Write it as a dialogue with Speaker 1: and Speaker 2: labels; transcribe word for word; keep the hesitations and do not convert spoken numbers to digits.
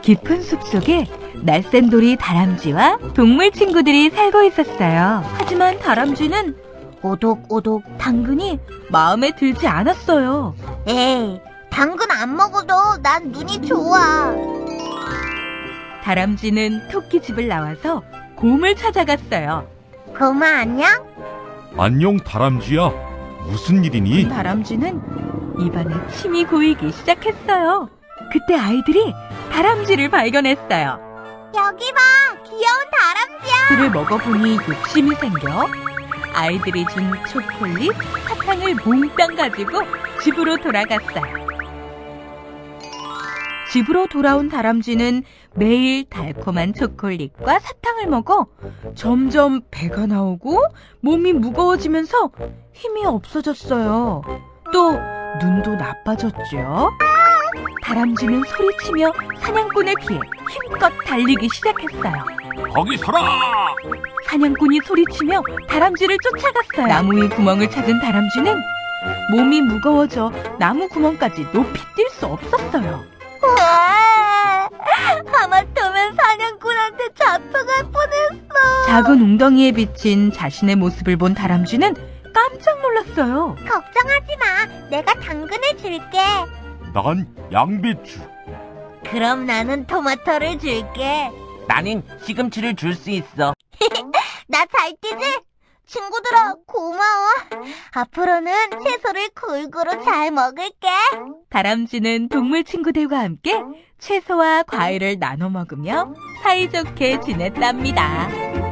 Speaker 1: 깊은 숲속에 날쌘돌이 다람쥐와 동물 친구들이 살고 있었어요. 하지만 다람쥐는 오독오독 당근이 마음에 들지 않았어요.
Speaker 2: 에이, 당근 안 먹어도 난 눈이 좋아.
Speaker 1: 다람쥐는 토끼집을 나와서 곰을 찾아갔어요.
Speaker 2: 고마 안녕?
Speaker 3: 안녕 다람쥐야. 무슨 일이니?
Speaker 1: 다람쥐는 입안에 침이 고이기 시작했어요. 그때 아이들이 다람쥐를 발견했어요.
Speaker 2: 여기 봐, 귀여운 다람쥐야.
Speaker 1: 그를 먹어보니 욕심이 생겨 아이들이 준 초콜릿, 사탕을 몽땅 가지고 집으로 돌아갔어요. 집으로 돌아온 다람쥐는 매일 달콤한 초콜릿과 사탕을 먹어 점점 배가 나오고 몸이 무거워지면서 힘이 없어졌어요. 또 눈도 나빠졌죠. 다람쥐는 소리치며 사냥꾼을 피해 힘껏 달리기 시작했어요.
Speaker 3: 거기 서라!
Speaker 1: 사냥꾼이 소리치며 다람쥐를 쫓아갔어요. 나무 위 구멍을 찾은 다람쥐는 몸이 무거워져 나무 구멍까지 높이 뛸 수 없었어요.
Speaker 2: 우와, 하마터면 사냥꾼한테 잡혀갈 뻔했어.
Speaker 1: 작은 웅덩이에 비친 자신의 모습을 본 다람쥐는 깜짝 놀랐어요.
Speaker 2: 걱정하지 마, 내가 당근을 줄게.
Speaker 3: 난 양배추.
Speaker 2: 그럼 나는 토마토를 줄게.
Speaker 4: 나는 시금치를 줄 수 있어.
Speaker 2: 나 잘 뛰지? 친구들아, 고마워. 앞으로는 채소를 골고루 잘 먹을게.
Speaker 1: 다람쥐는 동물 친구들과 함께 채소와 과일을 나눠 먹으며 사이좋게 지냈답니다.